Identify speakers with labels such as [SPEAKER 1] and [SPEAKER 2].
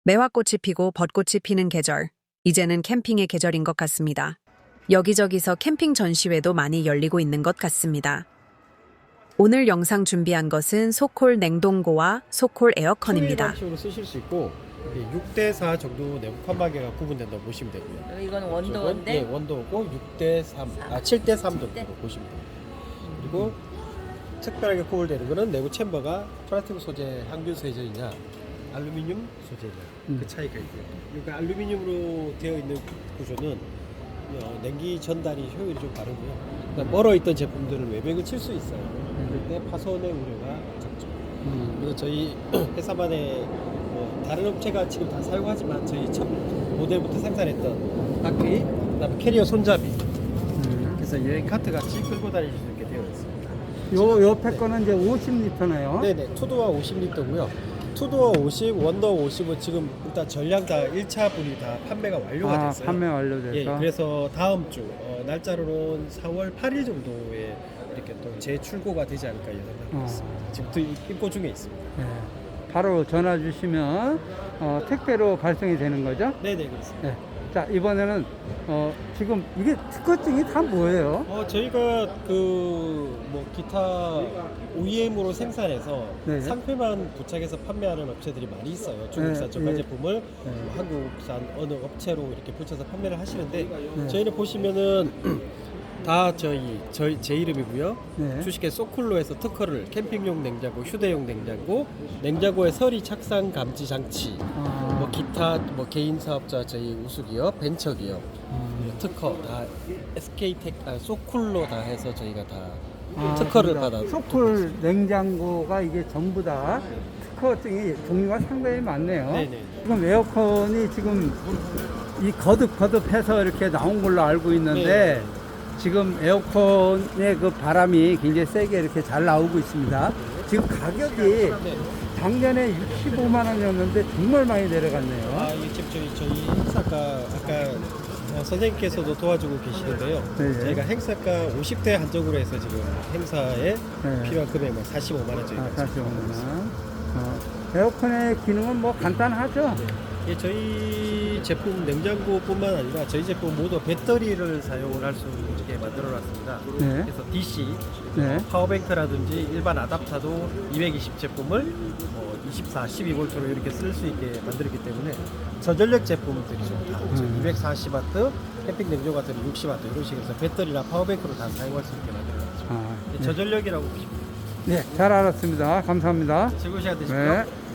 [SPEAKER 1] 매화꽃이 피고 벚꽃이 피는 계절. 이제는 캠핑의 계절인 것 같습니다. 여기저기서 캠핑 전시회도 많이 열리고 있는 것 같습니다. 오늘 영상 준비한 것은 소콜 냉동고와 소콜 에어컨입니다.
[SPEAKER 2] 식으로 쓰실 수 있고 6대4 정도 내부 칸막이가 구분된다고 보시면 되고요.
[SPEAKER 3] 이건 원도인데?
[SPEAKER 2] 네, 원도고 7대3 정도로 보시면 돼요. 그리고 특별하게 구분되는 거는 내부 챔버가 플라스틱 소재 항균 소재이냐 알루미늄 소재냐 그 차이가 있고요. 그러니까 알루미늄으로 되어 있는 구조는 냉기 전달이 효율이 좀 다르고요. 그러니까 멀어 있던 제품들을 외벽을 칠 수 있어요. 그런데 파손의 우려가 적죠. 그래서 저희 회사만의 다른 업체가 지금 다 사용하지만 저희 첫 모델부터 생산했던 바퀴, 그다음에 캐리어 손잡이, 그래서 여행 카트 같이 끌고 다니실 수 있게 되어 있습니다.
[SPEAKER 4] 요 옆에 거는 이제 50리터네요.
[SPEAKER 2] 네네, 투도어 50리터고요. 투도어 50, 원더 50은 지금 일단 전량 다 1차 분이 다 판매가 완료가 됐어요.
[SPEAKER 4] 판매 완료돼서.
[SPEAKER 2] 예, 그래서 다음 주 날짜로는 4월 8일 정도에 이렇게 또 재출고가 되지 않을까 예상하고 있습니다. 지금 입고 중에 있습니다.
[SPEAKER 4] 네. 바로 전화 주시면 택배로 발송이 되는 거죠?
[SPEAKER 2] 네네, 그렇습니다.
[SPEAKER 4] 네. 자, 이번에는 지금 이게 특허증이 다 뭐예요?
[SPEAKER 2] 저희가 기타 OEM으로 생산해서
[SPEAKER 4] 네.
[SPEAKER 2] 상표만 부착해서 판매하는 업체들이 많이 있어요. 중국산
[SPEAKER 4] 네,
[SPEAKER 2] 저가
[SPEAKER 4] 네.
[SPEAKER 2] 제품을 한국산 어느 업체로 이렇게 붙여서 판매를 하시는데
[SPEAKER 4] 네.
[SPEAKER 2] 저희는 보시면은 다 제 이름이고요.
[SPEAKER 4] 네.
[SPEAKER 2] 주식회 소쿨로에서 특허를 캠핑용 냉장고, 휴대용 냉장고, 냉장고에 서리 착상 감지 장치, 기타 개인 사업자 저희 우수기업, 벤처기업 특허 다 소쿨로 다 해서 저희가 다 특허를 받아.
[SPEAKER 4] 소쿨 냉장고가 이게 전부 다 특허증이 종류가 상당히 많네요.
[SPEAKER 2] 네네.
[SPEAKER 4] 지금 에어컨이 지금 이 거듭해서 이렇게 나온 걸로 알고 있는데
[SPEAKER 2] 네.
[SPEAKER 4] 지금 에어컨의 그 바람이 굉장히 세게 이렇게 잘 나오고 있습니다. 지금 가격이
[SPEAKER 2] 네.
[SPEAKER 4] 작년에 65만 원이었는데 정말 많이 내려갔네요.
[SPEAKER 2] 이게 지금 저희 행사가 아까 선생님께서도 도와주고 계시는데요.
[SPEAKER 4] 네.
[SPEAKER 2] 저희가 행사가 50대 한정으로 해서 지금 행사에 필요한 금액만 45만 원 저희가
[SPEAKER 4] 45만 원. 에어컨의 기능은 뭐 간단하죠?
[SPEAKER 2] 예, 저희 제품 냉장고뿐만 아니라 저희 제품 모두 배터리를 사용을 할 수 있게 만들어놨습니다.
[SPEAKER 4] 네.
[SPEAKER 2] 그래서 DC,
[SPEAKER 4] 네.
[SPEAKER 2] 파워뱅크라든지 일반 아답터도 220 제품을 24, 12V로 이렇게 쓸 수 있게 만들었기 때문에 저전력 제품들이 좀 다 240W, 캠핑 냉장고 같은 60W 이런 식으로 해서 배터리나 파워뱅크로 다 사용할 수 있게 만들어놨죠.
[SPEAKER 4] 네.
[SPEAKER 2] 저전력이라고 보시면 됩니다.
[SPEAKER 4] 네, 잘 알았습니다. 감사합니다.
[SPEAKER 2] 즐거운 시간 되십시오.
[SPEAKER 4] 네.